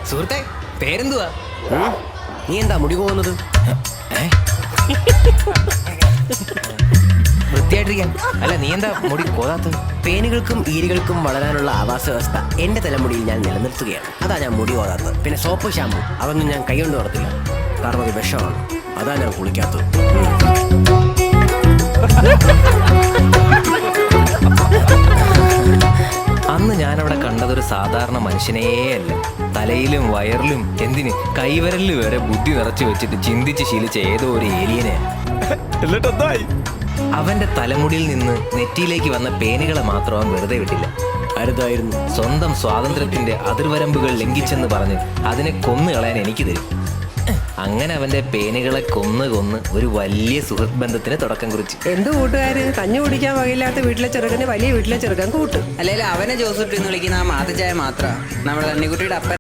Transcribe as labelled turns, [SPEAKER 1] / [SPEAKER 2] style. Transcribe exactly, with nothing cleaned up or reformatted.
[SPEAKER 1] സുഹൃത്തെ, പേരെന്തുവാ?
[SPEAKER 2] നീ എന്താ മുടി പോകുന്നത്?
[SPEAKER 1] വൃത്തിയായിട്ടിരിക്കാൻ. അല്ല, നീ എന്താ മുടി കോതാത്തത്?
[SPEAKER 2] പേനുകൾക്കും ഈരികൾക്കും വളരാനുള്ള ആവാസ വ്യവസ്ഥ എന്റെ തലമുടിയിൽ ഞാൻ നിലനിർത്തുകയാണ്. അതാ ഞാൻ മുടി കോതാത്തത്. പിന്നെ സോപ്പ്, ഷാമ്പു അതൊന്നും ഞാൻ കൈകൊണ്ട് നടത്തില്ല. കാരണം അത് വിഷമാണ്. അതാ ഞാൻ കുളിക്കാത്തത്.
[SPEAKER 1] അന്ന് ഞാനവിടെ കണ്ടതൊരു സാധാരണ മനുഷ്യനേ അല്ല. തലയിലും വയറിലും എന്തിന് കൈവരലിൽ വരെ ബുദ്ധി നിറച്ചു വെച്ചിട്ട് ചിന്തിച്ച് ശീലിച്ച ഏതോ ഒരു ഏലിയനെ. അവന്റെ തലമുടിയിൽ നിന്ന് നെറ്റിയിലേക്ക് വന്ന പേനുകളെ മാത്രം അവൻ വെറുതെ വിട്ടില്ല.
[SPEAKER 2] അരുതായിരുന്നു.
[SPEAKER 1] സ്വന്തം സ്വാതന്ത്ര്യത്തിന്റെ അതിർവരമ്പുകൾ ലംഘിച്ചെന്ന് പറഞ്ഞ് അതിനെ കൊന്നു കളയാൻ എനിക്ക് തരും. അങ്ങനെ അവന്റെ പേനുകളെ കൊന്ന് കൊന്ന് ഒരു വലിയ സുഹൃത്ത് ബന്ധത്തിന് തുടക്കം കുറിച്ചു.
[SPEAKER 3] എന്ത് കൂട്ടുകാര്? കഞ്ഞി കുടിക്കാൻ വകയില്ലാത്ത വീട്ടിലെ ചെറുക്കന് വലിയ വീട്ടിലെ ചെറുക്കൻ കൂട്ട്.
[SPEAKER 4] അല്ലെങ്കിൽ അവനെ ജോസൂട്ടി എന്ന് വിളിക്കുന്ന ആ മാതച്ചായ മാത്ര നമ്മുടെ തണ്ണിക്കുട്ടിയുടെ അപ്പൻ